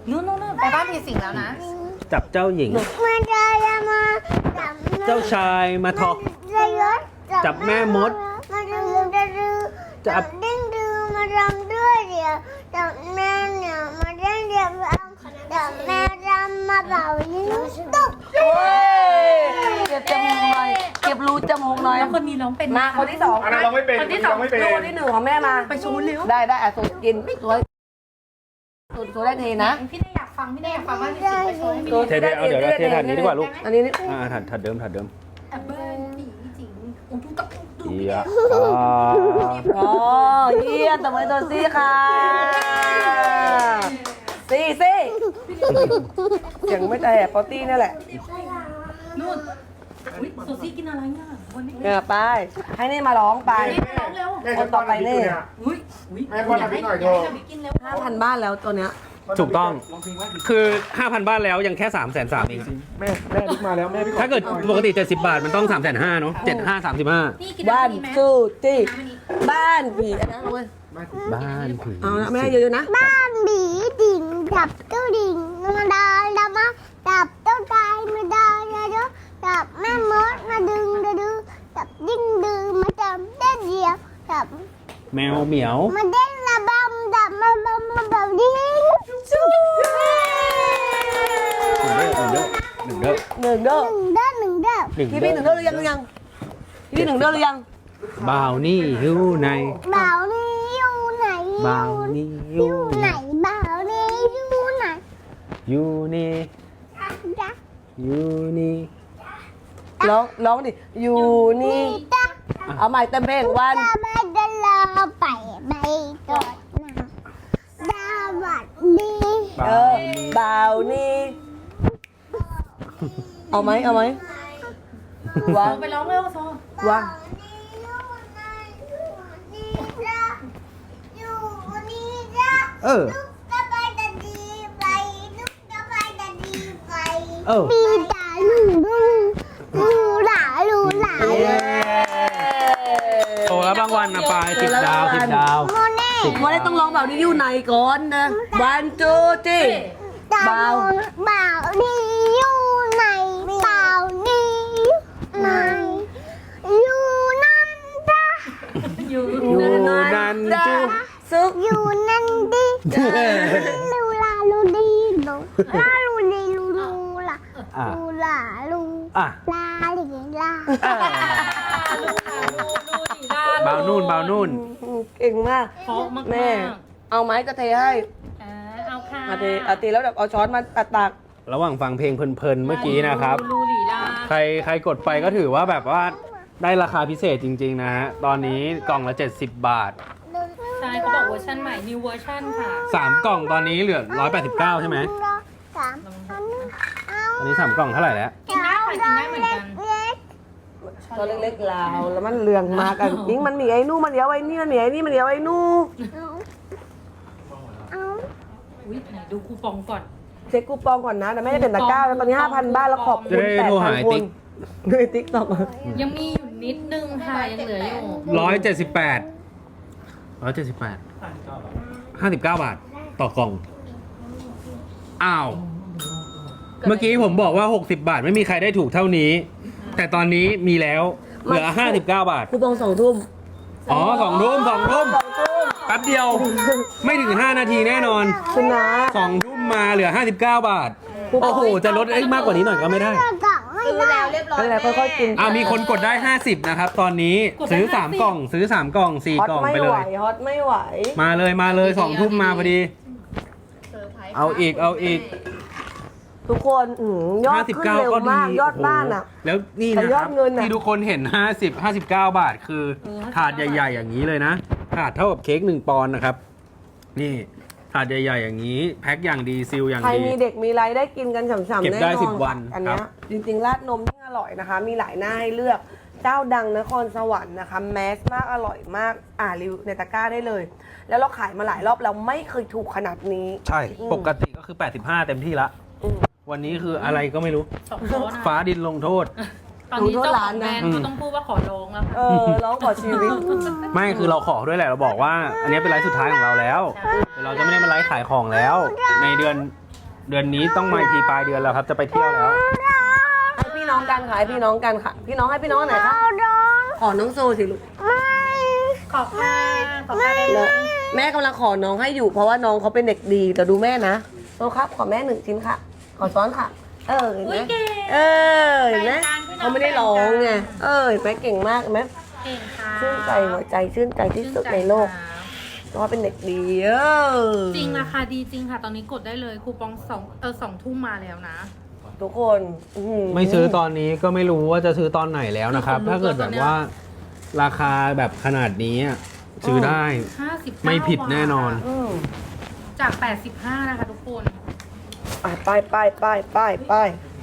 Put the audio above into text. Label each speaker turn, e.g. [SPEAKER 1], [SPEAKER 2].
[SPEAKER 1] นู่นไปบ้านผีสิงแล้วนะ
[SPEAKER 2] จับเจ้าหญิง
[SPEAKER 3] มามาจับ
[SPEAKER 2] เจ้าชายมาทอจับแม่มด
[SPEAKER 3] มาดื้อจับดิ้งดื้อมาทำด้วยเดี๋ยวจับแม่เนี่ยมาเล่นเดี๋ยวจับแม่รำมาเป่ายิงตุ๊บ
[SPEAKER 4] เก็บจมูกหน่อยเก็บรูจมูกหน่อย
[SPEAKER 1] แล้วคนนี้ร้องเป็น
[SPEAKER 4] มาคนที่สอง
[SPEAKER 5] อันนั้นเราไม่เป็น
[SPEAKER 4] คนที่สอง
[SPEAKER 5] เราไม่เป็น
[SPEAKER 4] ลูกคนที่หนึ่งของแม่มา
[SPEAKER 1] ไปโชว์เร็ว
[SPEAKER 4] ได้สูตรกินสูตรได้ทีนะ
[SPEAKER 1] พี่ได้อยากฟังว่าผีสิงไปโชว์ให้มี
[SPEAKER 2] เทเอาเดี๋ยวเทถาดนี้ดีกว่าลูก
[SPEAKER 4] อันนี้
[SPEAKER 2] ถัดเดิม
[SPEAKER 1] แอบเบิ้ลผีสิงโอ้ทุกกับดู
[SPEAKER 2] เยี่ย
[SPEAKER 4] อ๋อเยี่ยมตบมือตัวซี่ค่ะซี่เสียงไม่แต่ปอตี้นั่นแหละ
[SPEAKER 1] นู่นอุ้ยโซซี่กินอะไรเนี่ยวันนี้
[SPEAKER 4] ไปให้นี่มาร้องไป
[SPEAKER 1] ร้องเร็ว
[SPEAKER 4] คนต่อไปนี่
[SPEAKER 1] อุ้ย
[SPEAKER 5] แม่ป้อนน้ำพริกหน่อยเถอะ
[SPEAKER 1] กินเร็ว
[SPEAKER 4] 5,000 บ้านแล้วตัวเนี้ย
[SPEAKER 2] ถูกต้อง คือ 5,000 บ้านแล้วยังแค่ 330,000 เอง
[SPEAKER 5] แม่พริกมาแล้วแม่พริก
[SPEAKER 2] ถ้าเกิดปกติ70 บาทมันต้อง 350,000 เนาะ7535
[SPEAKER 1] นี่กิน
[SPEAKER 4] บ้าน
[SPEAKER 1] นี้ไหม
[SPEAKER 4] สู้จี้บ้านผีอันนั้นเลย
[SPEAKER 2] บ้านผี
[SPEAKER 4] เอาละแม่เยอะๆนะ
[SPEAKER 3] บ้านบีดิ่งจับเจ้าดิ่งมาดามาจับเจ้าชายมาดาจับแม่มดมาดึงจับดิ้งดื้อมาจับเด็ดเดียวจับ
[SPEAKER 2] แมวเหมียว
[SPEAKER 3] มาเด้นระบำจับมาแบบนี้
[SPEAKER 2] หนึ่งเด้อ
[SPEAKER 4] หนึ่งเด้อ
[SPEAKER 3] หนึ่งเด้อ
[SPEAKER 4] พี่พี่หนึ่งเด้อหรือยังพี่หนึ่งเด้อหรือยัง
[SPEAKER 2] บ่าวนี่หิวใน
[SPEAKER 3] บ่าวนี่อยู่ไหน
[SPEAKER 2] บ่าวนี่อ
[SPEAKER 3] อยู่ ยู่ไหนบ่าวนี่อยู่ไหน
[SPEAKER 2] อยู่นี่
[SPEAKER 3] จ๊ะ
[SPEAKER 2] อยู่นี่
[SPEAKER 4] ร้องดิอยู่นี่
[SPEAKER 3] จ๊ะ
[SPEAKER 4] เอาใหม่เต็มเพลงวัน
[SPEAKER 3] จะไม่ได้รอไปก่อนนะสวัสดี
[SPEAKER 4] บ่าวนี่เอาไหมวาง
[SPEAKER 1] ไปร้องเร็วโซ
[SPEAKER 4] วาง
[SPEAKER 3] อยู่นี่จ๊ะ
[SPEAKER 2] เออ
[SPEAKER 3] ลูกกระบายจะดีไปลูกกระบายจะดีไป
[SPEAKER 2] เออ
[SPEAKER 3] มีตาลูหลา
[SPEAKER 2] โตแล้วบางวันนะปลาย10 ดาว 10 ดาว
[SPEAKER 3] โมเน่
[SPEAKER 4] วันนี้ต้องร้องบ่าวนี่อยู่ไหนก่อนนะวันจูจี้ บ่าว
[SPEAKER 3] บ่าวนี่อยู่ไหนบ่าวนี่ไหนอยู่นั่นจ้ะ
[SPEAKER 1] อยู่
[SPEAKER 2] อยู่นั่นจู
[SPEAKER 4] ซุก
[SPEAKER 3] อยู่นั่นดิลูลาลูดีลูลาลูดีลูลา
[SPEAKER 2] อ่ะ
[SPEAKER 3] ลูลาลู
[SPEAKER 2] อ่ะ
[SPEAKER 3] ลาลิลา
[SPEAKER 2] บ่าวนู่น
[SPEAKER 4] เก่งมาก
[SPEAKER 1] เพราะมาก
[SPEAKER 4] แม่ เอาไหมจะเทให้
[SPEAKER 1] เอาค่ะ
[SPEAKER 4] เอาตีแล้วแบบเอาช้อนมาตัก
[SPEAKER 2] ระหว่างฟังเพลงเพลินๆเมื่อกี้นะครับ
[SPEAKER 1] ลูลีลา
[SPEAKER 2] ใครกดไปก็ถือว่าแบบว่าได้ราคาพิเศษจริงๆนะฮะ ตอนนี้กล่องละ 70 บาท
[SPEAKER 1] ใช่เขาบอกเวอร์ชันใหม่ new version ค่ะ
[SPEAKER 2] 3 กล่องตอนนี้เหลือ 189 ใช่ไหม
[SPEAKER 3] สามเอา
[SPEAKER 2] ตอนนี้ 3 กล่องเท่าไหร่แล้ว
[SPEAKER 1] กินได้ค่ะกินได้เหมือนกัน
[SPEAKER 3] เล็ก
[SPEAKER 4] ๆช้อนเล็กๆลาวแล้วมันเรืองมากันยิ่งมันมีไอ้นู่มันเดียวไอ้นี่มันมีไอ้นี่มันเดียวไอ้นู่
[SPEAKER 3] เอา
[SPEAKER 1] อุ้ยไหนดูคูปองก่อน
[SPEAKER 4] เช็คคูปองก่อนนะแต่ไม่ได้เป็นตะกร้าแล้วตอนนี้ 5,000 บ้านแล้วขอบคุณ
[SPEAKER 2] จะได้โทรหาไอ้
[SPEAKER 4] 8,000 ค
[SPEAKER 2] ติ๊
[SPEAKER 4] น
[SPEAKER 2] ก
[SPEAKER 4] ด้วยติ๊กตอก
[SPEAKER 1] ยังมีอยู่นิดนึงค่ะยังเหลืออยู่
[SPEAKER 2] 59 บาท ต่อกล่อง อ้าว เมื่อกี้ผมบอกว่า 60 บาทไม่มีใครได้ถูกเท่านี้ แต่ตอนนี้มีแล้ว เหลือ 59 บาท
[SPEAKER 4] คูปอง2 ทุ่ม
[SPEAKER 2] อ๋อ2 ทุ่มแป๊บเดียว ไม่ถึง 5 นาทีแน่นอน
[SPEAKER 4] คุณนะ
[SPEAKER 2] 2 ทุ่มมาเหลือ 59 บาท โอ้โห จะลดมากกว่านี้หน่อยก็ไม่ได้
[SPEAKER 3] กล่องไม่ได้
[SPEAKER 4] อะไรค่อยๆกิน
[SPEAKER 2] มีคนกดได้ 50 นะครับ ตอนนี้ซื้อ 3 กล่อง ซื้อ 3 กล่อง 4
[SPEAKER 4] ฮอต
[SPEAKER 2] กล่อง
[SPEAKER 4] ไม่
[SPEAKER 2] ไปเล
[SPEAKER 4] ไหวย ฮอตไม่ไหว
[SPEAKER 2] มาเลย2 ทุ่มมาพอดี เอาอีก
[SPEAKER 4] ทุกคนยอดขึ้นเร็ว
[SPEAKER 2] 59 ก็ดี
[SPEAKER 4] มากยอดบ้านอ่ะ
[SPEAKER 2] โโหแล้วนี่
[SPEAKER 4] แต่
[SPEAKER 2] นะ
[SPEAKER 4] ย
[SPEAKER 2] ค
[SPEAKER 4] อ
[SPEAKER 2] รั
[SPEAKER 4] ด
[SPEAKER 2] บ
[SPEAKER 4] เงินน่ะ
[SPEAKER 2] ที่ทุกคนเห็น 59 บาท คือถาดใหญ่ๆอย่างนี้เลยนะ ถาดเท่ากับเค้ก1 ปอนด์นะครับ นี่ถาดใหญ่ๆอย่างนี้ แพ็คอย่างดีซีลอย่าง
[SPEAKER 4] ใคร
[SPEAKER 2] ดี
[SPEAKER 4] มีเด็กมีอะไรได้กินกันฉ่ำๆ
[SPEAKER 2] เก็บ
[SPEAKER 4] แน่
[SPEAKER 2] ได้
[SPEAKER 4] นอน
[SPEAKER 2] 10 วัน
[SPEAKER 4] อันเนี้
[SPEAKER 2] ครั
[SPEAKER 4] ย
[SPEAKER 2] บ
[SPEAKER 4] จริงๆราดนมยิ่งอร่อยนะคะ มีหลายหน้าให้เลือก เจ้าดังนครสวรรค์นะคะแมสมากอร่อยมากรีวิวในตะกร้าได้เลย แล้วเราขายมาหลายรอบเราไม่เคยถูกขนาดนี้
[SPEAKER 2] ใช่ ปกติก็คือ 85 เต็มที่ละ
[SPEAKER 4] อืม
[SPEAKER 2] วันนี้คืออะไรก็ไม่รู้
[SPEAKER 1] 2 โต๊ะนะ
[SPEAKER 2] ฟ้าดินลงโทษ
[SPEAKER 1] ตอนนี้เจ้าของแบรนด์เขาต้องพูดว่าขอร้องแล้วค่ะ
[SPEAKER 4] ร้องขอชีวิต
[SPEAKER 2] ไม่คือเราขอด้วยแหละเราบอกว่า อันนี้เป็นไลฟ์สุดท้ายของเราแล้วเดี๋ยวเราจะไม่ได้มาไลฟ์ขายของแล้ว ในเดือนเดือนนี้ต้องมาอีกทีปลายเดือนแล้วครับ จะไปเที่ยวแล้ว
[SPEAKER 4] ให้พี่น้องกันค่ะให้พี่น้องกันค่ะ พี่น้องให้พี่น้องไหนคะ
[SPEAKER 3] เอาดอง
[SPEAKER 4] ขอน้องโซสิลูก
[SPEAKER 3] ไม่
[SPEAKER 1] ขอบค่ะขอบค่ะ
[SPEAKER 4] นะแม่กำลังขอน้องให้อยู่เพราะว่าน้องเขาเป็นเด็กดีแต่ดูแม่นะโซครับขอแม่1 ชิ้นค่ะ ขอช้อนค่ะ เเห็นไหม
[SPEAKER 1] อุ๊ยเก่ง
[SPEAKER 4] เห็นไหม
[SPEAKER 1] แบ่งกันพี่น้อง
[SPEAKER 4] เขาไม่ได้ร้องไงเห็นไหมเก่งมากเห็นไหม
[SPEAKER 1] เก่งค่ะ
[SPEAKER 4] ชื่นใจหัวใจชื่นใจที่สุดในโลกเพราะว่าเป็นเด็กดี
[SPEAKER 1] จริงราคาดีจริงค่ะ ตอนนี้กดได้เลยคูปอง2 ทุ่มมาแล้วนะ
[SPEAKER 4] ทุกคนหื
[SPEAKER 2] ไม่ซื้อตอนนี้ก็ไม่รู้ว่าจะซื้อตอนไหนแล้วนะครับ ถ้าเกิดแบบว่า ราคาแบบขนาดนี้อะซื้อได้
[SPEAKER 1] 59
[SPEAKER 2] ไม่ผิดแน่นอน
[SPEAKER 4] อืม
[SPEAKER 1] จาก 85 นะคะทุกคน
[SPEAKER 4] ไป